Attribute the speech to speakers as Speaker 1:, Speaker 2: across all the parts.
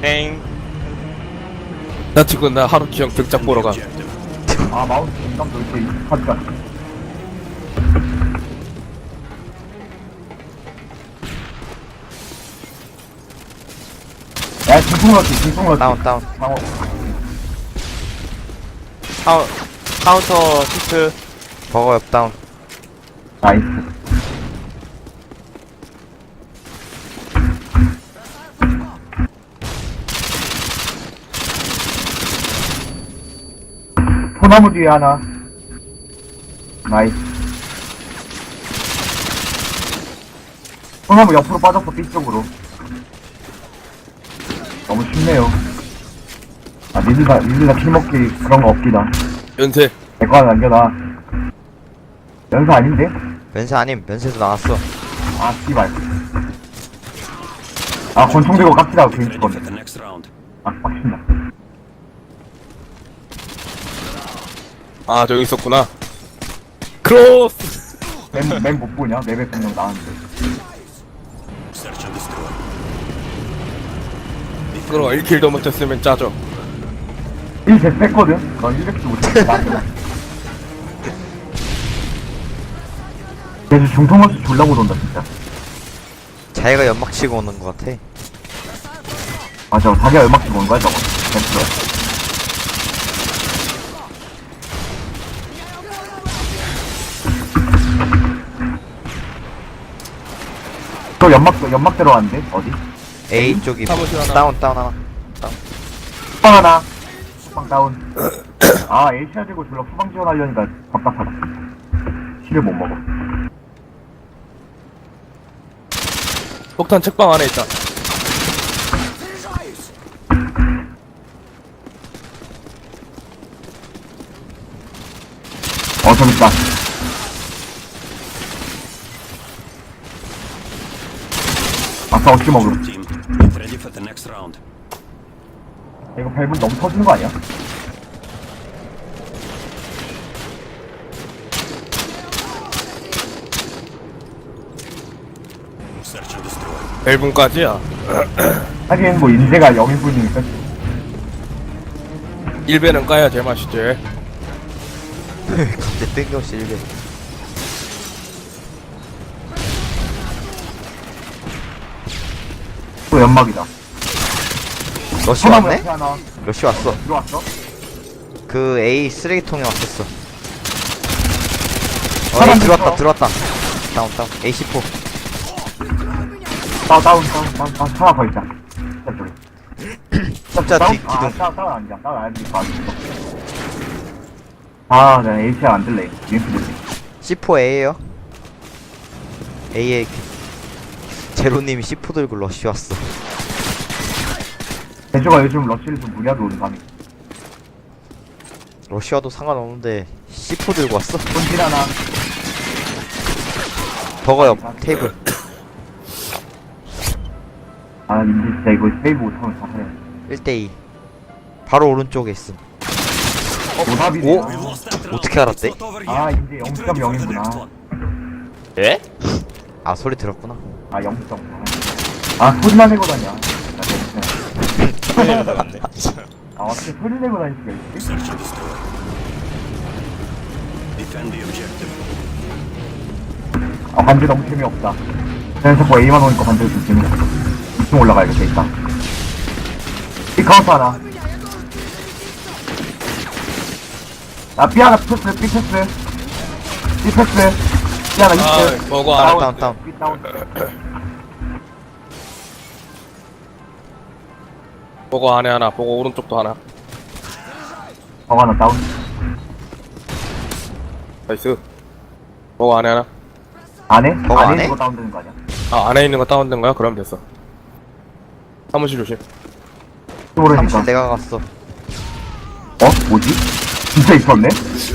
Speaker 1: 땡.
Speaker 2: 나 지금 나 하루키 형 등짝 보러 가.
Speaker 3: 아 마우스 공감도 이렇게 익숙하지가 않아. 야 중풍러치
Speaker 1: 다운.
Speaker 3: 방어.
Speaker 1: 카운터 히트. 버거 옆 다운.
Speaker 3: 나이스. 소나무 뒤에 하나. 나이스. 소나무 옆으로 빠졌어, B쪽으로. 너무 쉽네요. 아, 니들 다 킬먹기 그런 거 없기다.
Speaker 2: 연세.
Speaker 3: 내 거 하나 남겨놔. 연사 아닌데?
Speaker 1: 면세 아님, 면세도 나왔어.
Speaker 3: 아, 씨발. 아, 권총 들고 깝치다가 괜히 죽었네. 아, 빡친다.
Speaker 2: 아 저기 있었구나. 크로스.
Speaker 3: 맨 못 보냐? 맵에 분명 나왔는데.
Speaker 2: 그럼 1킬도 못했으면 짜죠.
Speaker 3: 1대 뺐거든? 넌 100도 못했어. 나한테. 그래서 중통원수 졸라 못 온다, 진짜.
Speaker 1: 자기가 연막 치고 오는 것 같아.
Speaker 3: 맞아, 자기가 연막 치고 온 거야, 저거. 됐어. 또 연막 들어왔는데? 어디?
Speaker 1: A 쪽이
Speaker 2: 사무실 하나.
Speaker 1: 다운 하나.
Speaker 3: 후방 하나. 후방 다운. 아, 에이시아 들고 졸라 후방 지원하려니까 답답하다. 실을 못 먹어.
Speaker 2: 폭탄 책방 안에 있다.
Speaker 3: 저기 있다. 아까 어찌 먹음.
Speaker 4: Ready for the next round.
Speaker 3: 이거 밸브 너무 터지는 거 아니야?
Speaker 4: Search and destroy.
Speaker 2: 1분까지야.
Speaker 3: 하긴 뭐 인재가 0인분이니까
Speaker 2: 1배는 까야 제맛이지.
Speaker 1: 갑자기 뜬금없이 1배.
Speaker 3: 또 연막이다.
Speaker 1: 러쉬
Speaker 3: 소나무
Speaker 1: 왔네?
Speaker 3: 옆에 하나
Speaker 1: 러쉬 왔어.
Speaker 3: 들어왔어?
Speaker 1: 그 A 쓰레기통에 왔었어.
Speaker 3: 사람
Speaker 1: A 들어왔다.
Speaker 4: 어.
Speaker 1: 다운. A14.
Speaker 3: 다운 하나 더 있다.
Speaker 1: 진짜
Speaker 3: 다운?
Speaker 1: 기둥.
Speaker 3: 다운 아니야. 다운 아니지. 아, 내가 ACR 안 들래. 링크 들래.
Speaker 1: C4A에요. A에 제로님이 C4 들고 러쉬 왔어.
Speaker 3: 대주가 요즘 러쉬를 좀 무리하게 오는 감이.
Speaker 1: 러쉬 와도 상관없는데 C4 들고 왔어.
Speaker 3: 본질 하나.
Speaker 1: 버거 옆 테이블.
Speaker 3: 아, 인지 진짜 이거 세이브 못하면 다 그래.
Speaker 1: 1대2. 바로 오른쪽에 있음.
Speaker 3: 오답이네.
Speaker 1: 오? 어떻게 알았대?
Speaker 3: 아, 이제 0.0이구나.
Speaker 2: 예?
Speaker 1: 아 소리 들었구나.
Speaker 3: 아, 0.0. 아, 소리만 내고 다녀. 나 진짜. 아, 어떻게 소리 내고 다닐 수가 있지?
Speaker 4: Search and destroy. Defend the objective.
Speaker 3: 아, 반지 너무 재미없다. 그냥 자꾸 A만 오니까 반지가 좀 재미없어. 2층 올라가야겠다, 일단. 이 카운트 하나. 아, B 하나 패스, B 패스. B 패스. B 하나
Speaker 2: 아
Speaker 3: 있어.
Speaker 2: 버거 안에.
Speaker 1: 다운.
Speaker 3: B 다운.
Speaker 2: 버거 안에 하나. 버거 오른쪽도 하나.
Speaker 3: 하나 다운.
Speaker 2: 나이스. 버거 안에 하나.
Speaker 3: 안에?
Speaker 1: 버거
Speaker 3: 안에
Speaker 1: 안에?
Speaker 3: 있는 거 다운되는 거 아니야?
Speaker 2: 아 안에 있는 거 다운된 거야? 그럼 됐어. 사무실 조심.
Speaker 3: 모르니까.
Speaker 1: 사무실 내가 갔어.
Speaker 3: 뭐지? 진짜 있었네?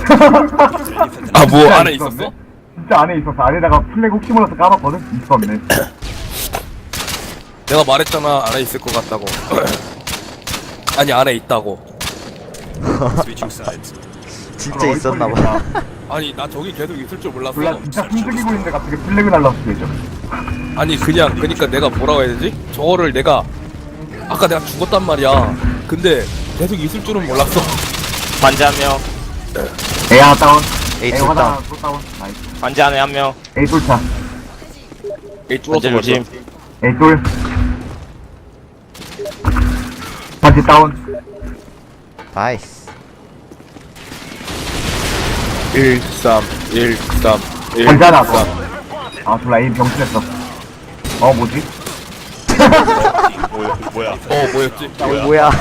Speaker 2: 아 뭐
Speaker 3: 진짜
Speaker 2: 안에
Speaker 3: 있었네?
Speaker 2: 있었어?
Speaker 3: 진짜 안에 있었어. 안에다가 플래그 혹시 몰라서 까봤거든? 있었네.
Speaker 2: 내가 말했잖아 안에 있을 것 같다고. 아니 안에 있다고.
Speaker 4: Switching sides.
Speaker 1: 진짜 있었나봐.
Speaker 2: 아니 나 저기 계속 있을 줄 몰랐어.
Speaker 3: 몰라, 진짜 숨죽이고 있는데 갑자기 플래그 날라서 되죠.
Speaker 2: 아니 그니까 내가 뭐라고 해야 되지? 저거를 내가 아까 내가 죽었단 말이야. 근데 계속 있을 줄은 몰랐어.
Speaker 5: 관제 한 명,
Speaker 3: A 하나 다운.
Speaker 1: A
Speaker 3: A
Speaker 1: 둘
Speaker 3: 하나
Speaker 1: 다운.
Speaker 3: 또 다운. 나이스.
Speaker 5: 관제 안에 한 명.
Speaker 3: A 뚫자.
Speaker 2: 에이
Speaker 5: 관제
Speaker 2: 뚫었어
Speaker 5: 조심.
Speaker 3: A 뚫. 반지 다운.
Speaker 1: 나이스.
Speaker 2: 1, 3, 1, 3, 1,
Speaker 3: 반지 하나 더. 아 졸라 A 병신했어. 뭐지?
Speaker 4: 뭐야?
Speaker 2: 뭐였지?
Speaker 1: 뭐야?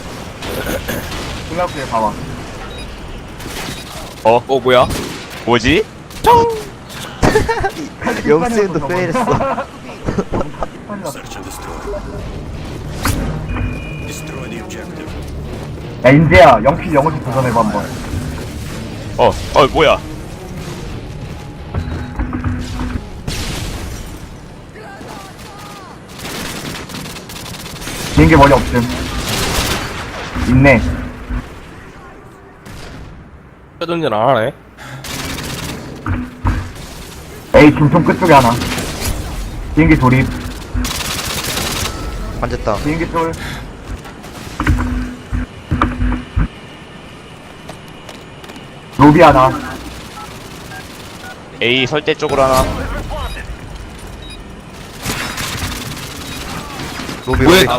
Speaker 3: 생각해 봐봐.
Speaker 2: 뭐야?
Speaker 5: 뭐지?
Speaker 1: 영수도 페일했어.
Speaker 4: Search and destroy. Destroy the objective.
Speaker 3: 야 인재야 영필 영어식 도전해봐 한번.
Speaker 5: 뭐야?
Speaker 3: 비행기 머리 없음. 있네.
Speaker 2: 회전질 안 하네.
Speaker 3: A 중통 끝쪽에 하나. 비행기 조립.
Speaker 1: 관제다.
Speaker 3: 비행기 쫄. 로비 하나.
Speaker 5: A 설대 쪽으로 하나.
Speaker 1: 로비
Speaker 2: 왜
Speaker 1: 로비.
Speaker 2: 나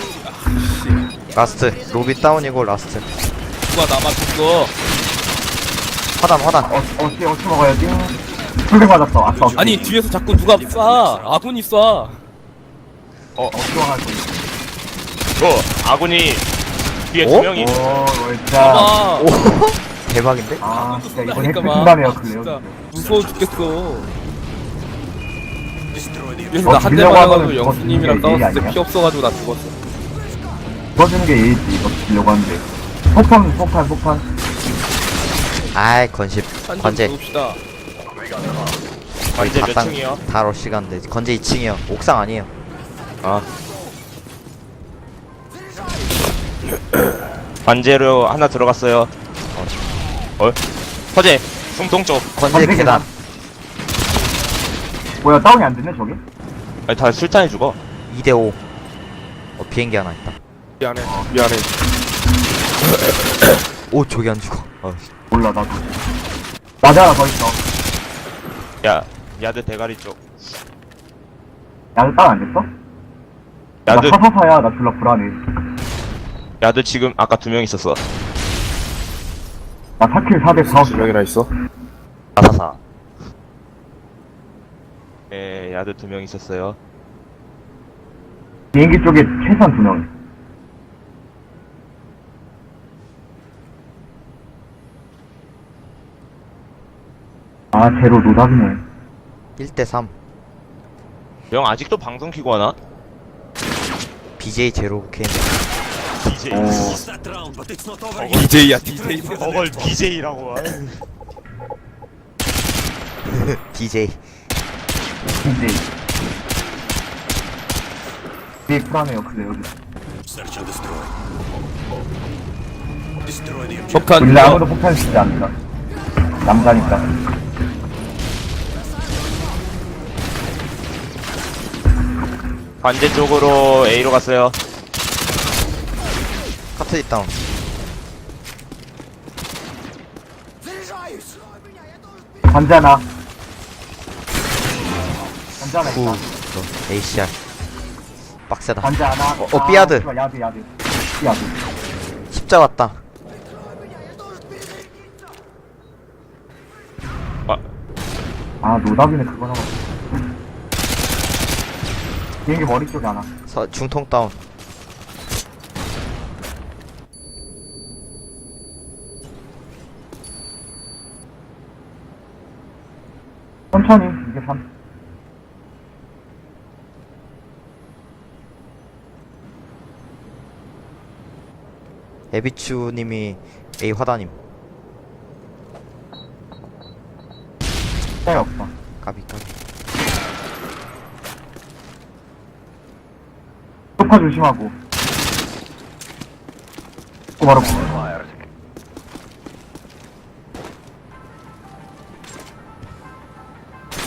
Speaker 1: 라스트. 로비 다운이고 라스트.
Speaker 2: 누가 나 맞췄어?
Speaker 1: 화단 화단.
Speaker 3: 어찌 먹어야지. 풀백 맞았어. 아싸.
Speaker 2: 아니 뒤에서 자꾸 누가 쏴. 아군이 쏴.
Speaker 3: 어찌 와가지고.
Speaker 5: 아군이 뒤에
Speaker 1: 어?
Speaker 5: 두 명이.
Speaker 3: 진짜.
Speaker 2: 봐봐.
Speaker 1: 오 대박인데?
Speaker 3: 아, 진짜 이번
Speaker 2: 쏘다니까
Speaker 3: 핵
Speaker 2: 막.
Speaker 3: 끝나네요,
Speaker 2: 진짜
Speaker 3: 클레어.
Speaker 2: 무서워 죽겠어.
Speaker 4: Destroy the
Speaker 2: 그래서 나 한 대
Speaker 3: 빌려고
Speaker 2: 맞아가지고
Speaker 3: 하면은
Speaker 2: 영수님이랑
Speaker 3: 그거
Speaker 2: 싸웠을 때
Speaker 3: 아니야?
Speaker 2: 피 없어가지고 나 죽었어.
Speaker 3: 써주는 게 예의지, 이거 주려고 하는데. 폭탄.
Speaker 1: 아이 건십.
Speaker 2: 한점
Speaker 1: 관제.
Speaker 2: 죽읍시다.
Speaker 5: 관제 몇
Speaker 1: 땅-
Speaker 5: 층이요?
Speaker 1: 다 러시 간데. 건제 2층이요. 옥상 아니에요.
Speaker 5: 관제로 하나 들어갔어요. 서재 중동 쪽.
Speaker 1: 건제 계단.
Speaker 3: 뭐야, 다운이 안 됐네, 저게?
Speaker 5: 아니, 다 술탄이 죽어.
Speaker 1: 2대5. 비행기 하나 있다.
Speaker 2: 미안해.
Speaker 1: 오 저기 안 죽어.
Speaker 3: 몰라, 나도. 맞아, 하나 더 있어.
Speaker 5: 야, 야드 대가리 쪽.
Speaker 3: 야도 다운 안 됐어?
Speaker 5: 야드
Speaker 3: 나 사사사야, 나 졸라 불안해.
Speaker 5: 야드 지금 아까 두 명 있었어.
Speaker 3: 나 4킬 4대 4.
Speaker 2: 명이나 있어?
Speaker 5: 444. 예, 야드 두 명 있었어요.
Speaker 3: 비행기 쪽에 최소한 2명. 아, 제로 노답이네.
Speaker 1: 1대3.
Speaker 5: 형 아직도 방송 키고 하나?
Speaker 1: BJ 제로 캠.
Speaker 5: BJ.
Speaker 4: Lost that round, but it's not over yet.
Speaker 2: DJ야 DJ.
Speaker 5: 저걸 BJ라고.
Speaker 1: DJ.
Speaker 3: 이제. 되게 불안해요, 클레어.
Speaker 4: Search and destroy. Destroy the objective.
Speaker 2: 폭탄
Speaker 3: 원래
Speaker 2: 누가?
Speaker 3: 아무도 폭탄 쓰지 않는다. 남자니까.
Speaker 5: 관제 쪽으로 A로 갔어요.
Speaker 1: 카트리 다운.
Speaker 3: 관자나. 관자 하나
Speaker 1: 구.
Speaker 3: 있다.
Speaker 1: ACR. 빡세다.
Speaker 3: 관자 하나.
Speaker 1: 삐아드.
Speaker 3: 씨발, 야드. 삐아드.
Speaker 1: 십자 왔다.
Speaker 3: 아, 노답이네, 그거 나와. 비행기 머리 쪽에 하나.
Speaker 1: 중통 다운.
Speaker 3: 천천히, 이게 3.
Speaker 1: 에비추님이 A 화단임.
Speaker 3: 차이 없다.
Speaker 1: 까비.
Speaker 3: 소파 조심하고. 바로.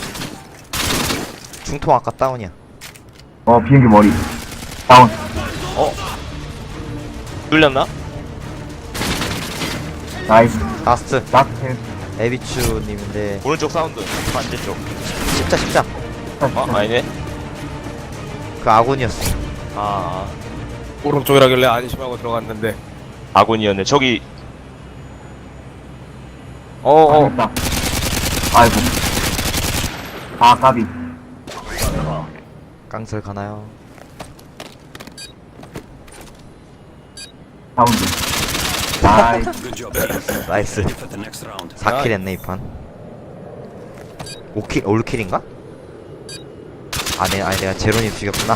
Speaker 1: 중통 아까 다운이야.
Speaker 3: 비행기 머리. 다운.
Speaker 5: 뚫렸나?
Speaker 3: 나이스.
Speaker 1: 라스트
Speaker 3: 라스트.
Speaker 1: 에비추님인데
Speaker 5: 오른쪽 사운드 반대쪽.
Speaker 1: 십자
Speaker 5: 아니네.
Speaker 1: 그 아군이었어.
Speaker 5: 아
Speaker 2: 오른쪽이라길래 안심하고 들어갔는데.
Speaker 5: 아군이었네. 저기
Speaker 3: 당했다. 아이고. 아, 까비.
Speaker 1: 깡설 가나요?
Speaker 3: 사운드. 나이스.
Speaker 4: Good job, team.
Speaker 1: 나이스.
Speaker 4: Ready for the next round.
Speaker 1: 4킬 했네 이판. 5킬 올킬인가? 아니 내가 제로님 죽였구나.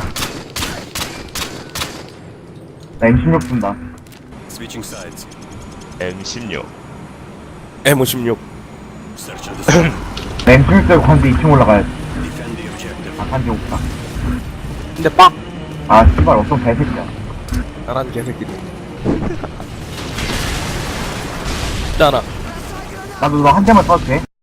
Speaker 3: 나 M16 쓴다.
Speaker 4: Switching sides.
Speaker 5: M16.
Speaker 2: M56.
Speaker 4: Search and destroy.
Speaker 3: 나 M16 들고 관대 2층 올라가야지.
Speaker 4: Defend the objective.
Speaker 3: 아, 관대 없다.
Speaker 2: 근데 빡!
Speaker 3: 아, 씨발, 어떤 개새끼야.
Speaker 2: 나란 개새끼들. 있잖아.
Speaker 3: 나도 너 한 대만 써도 돼?